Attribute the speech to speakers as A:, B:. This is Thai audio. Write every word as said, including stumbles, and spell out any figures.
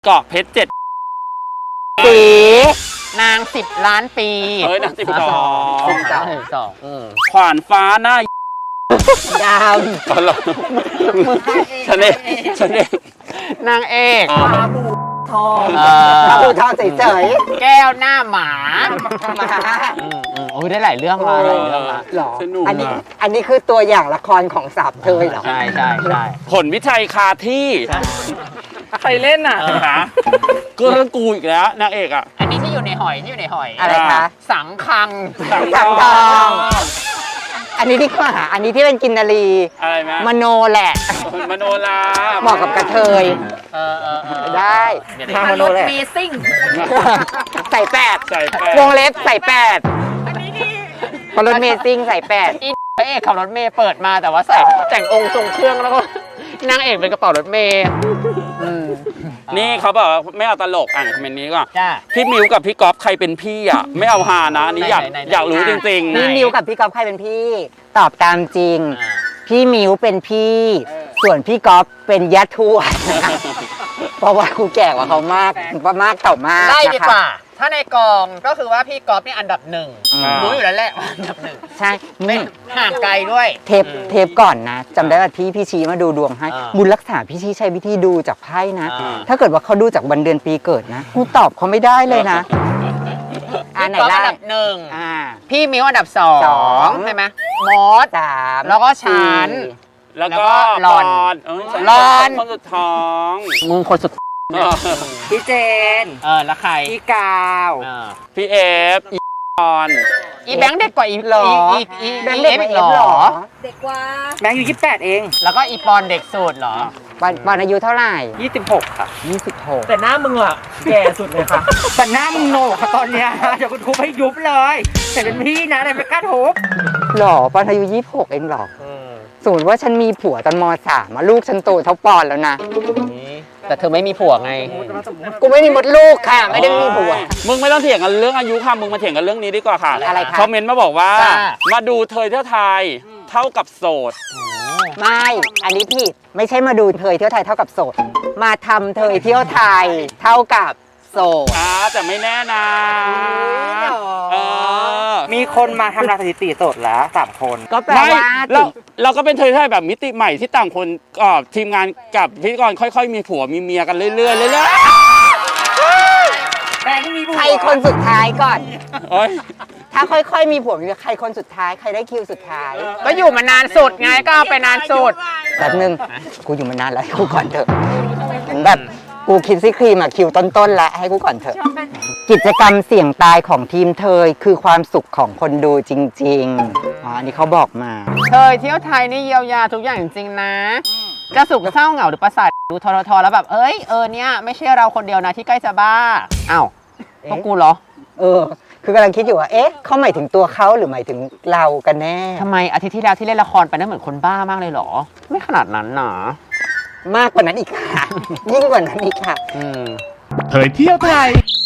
A: เกาะเพชรเจ็ด
B: ปีนางสิบล้านปี
A: เฮ้ยนางสิบสอง
B: สิบสองสอง
A: ขวานฟ้าหน้า
B: ดาว
A: ตลกฉันเองฉันเอง
B: นางเอก
C: ปลาบูทอง
B: ปลาบู
C: ทองเฉย
B: ๆแก้วหน้าหมาหมาโอ้ยได้หลายเรื่องมาหลายเรื่องมา
C: หรออันนี้อันนี้คือตัวอย่างละครของสาบเทยเหรอ
B: ใช่ใช่ใช่
A: ผลวิชัยคาที่ใครเล่นอ่ะก็เรื่องกูอีกแล้วนางเอกอ่ะ
B: อันนี้ที่อยู่ในหอยที่อยู่ในหอย
C: อะไรคะ
B: สังคัง
A: สัง
C: ทองอันนี้ดีกว่าอันนี้ที่เป็นกินนารี
A: อะไรไหม
C: มโนแหละ
A: มโนลา
C: เหมาะกับกระเทยได้
B: ทางมโนแหละมีซิ่ง
C: ใส่แปด
A: ใส่แปด
C: วงเล็บใส่แปดพอรถเมซิ่งใส่แปด
B: อีพระเอกขับรถเมย์เปิดมาแต่ว่าใส่แต่งองค์ทรงเครื่องแล้วก็นางเอกเป็นกระเป๋ารถเมย์
A: นี่เขาบอกไม่เอาตลกอ่านคอมเมนต์นี้ก่อน
B: จ้า
A: พี่มิวกับพี่ก๊อฟใครเป็นพี่อ่ะไม่เอาฮานะอันนี้อยากอยากรู้จริง
C: ๆพี่มิวกับพี่ก๊อฟใครเป็นพี่ตอบตามจริงพี่มิวเป็นพี่ส่วนพี่ก๊อฟเป็นญาติทวดเพราะว่ากูแก่กว่าเขามากมากเต่ามาก
B: ได้ดีกว่าถ้าในกองก็คือว่าพี่ก๊อฟนี่อันดับหนึ่งรู้อยู่แล้วแหละอันดับหนึ่ง
C: ใช่
B: ไม่ห่างไกลด้วย
C: เทปเทปก่อนนะจำได้ว่าที่พี่ชี้มาดูดวงให้บุญรักษาพี่ชี้ใช้วิธีดูจากไพ่นะถ้าเกิดว่าเขาดูจากวันเดือนปีเกิดนะกูตอบเขาไม่ได้เลยนะ
B: อันไหนอันดับหนึ่งพี่มิวอันดับสองใช่ไหมมอส
C: สาม
B: แล้วก็ฉัน
A: แล้วก็
B: หลอน
A: หลอนคนสุดท้อง
B: มึงคนสุด
C: พี่เจน
B: เออแล้วใคร
C: พี่กาว
A: พี่เอฟอีออน
B: อีแบงค์เด็กกว่าอีหรออี
C: แบงค์เด็กกว่าหรอ
D: เด็กกว่า
C: แบงค์อยู่ยี่สิบแปดเอง
B: แล้วก็อีปอนเด็กสุดเหรอ
C: ปอนปอนอายุเท่าไหร่
A: ยี่สิบหกค่ะ
C: ยี่สิบหก
D: แต่หน้ามึงอ่ะแก่สุดเลยค่ะ
C: แต่หน้ามึงโง่ค่ะตอนเนี้ยเดี๋ยวกูทุบให้ยุบเลยแต่เป็นพี่นะแต่ไม่กล้าทุบหรอปอนอายุยี่สิบหกเองหรอสมมติว่าฉันมีผัวตอนม.สามลูกฉันโตเท่าปอนแล้วนะ
B: แต่เธอไม่มีผัวไง
C: กูไม่มีมดลูกค่ะไม่ได้มีผัว
A: มึงไม่ต้องเถียงกันเรื่องอายุค่ะมึงมาเถียงกันเรื่องนี้ดีกว่าค่ะ
C: อะไรคะ
A: คอมเมนต์มาบอกว่ามาดูเธอเที่ยวไทยเท่ากับโสด
C: ไม่อันนี้ผิดไม่ใช่มาดูเธอเที่ยวไทยเท่ากับโสดมาทำเธอเที่ยวไทยเท่ากับโสด
A: อ่าแต่ไม่แน่นะ
C: มีคนมาทำลายสถิติโสดแล้วสามคนก็แปลว่า
A: เราเราก็เป็นเธอที่แบบมิติใหม่ที่ต่างคนก็ทีมงานกับพิธีกรค่อยๆมีผัวมีเมียกันเรื่อยๆเรื่อย
C: ๆแต่ที่มีผัวใครคนสุดท้ายก่อนถ้าค่อยๆมีผัวมีใครคนสุดท้ายใครได้คิวสุดท้าย
B: ก็อยู่มานานสุดไงก็เอาไปนานสุด
C: แบบนึงกูอยู่มานานแล้วกูก่อนเถอะแบบกูคิดซิครีมอะคิวต้นๆแล้วให้กูก่อนเถอะกิจกรรมเสี่ยงตายของทีมเธอคือความสุขของคนดูจริงๆอ๋ออันนี้เขาบอกมา
B: เธอเที่ยวไทยนี่เยียวยาทุกอย่างจริงๆนะจะสุขเศร้าเหงาหรือประสาทดูทรทแล้วแบบเอ้ยเออเนี่ยไม่ใช่เราคนเดียวนะที่ใกล้จะบ้าอ้าวพวกกูเหรอ
C: เออคือกำลังคิดอยู่ว่าเอ๊ะเขาหมายถึงตัวเขาหรือหมายถึงเรากันแน่
B: ทำไมอาทิตย์ที่แล้วที่เล่นละครไปนั่นเหมือนคนบ้ามากเลยเหรอไม่ขนาดนั้นนะ
C: มากกว่านั้นอีกค่ะยิ่งกว่านั้นอีกค่ะ
E: เผยเที่ยวไทย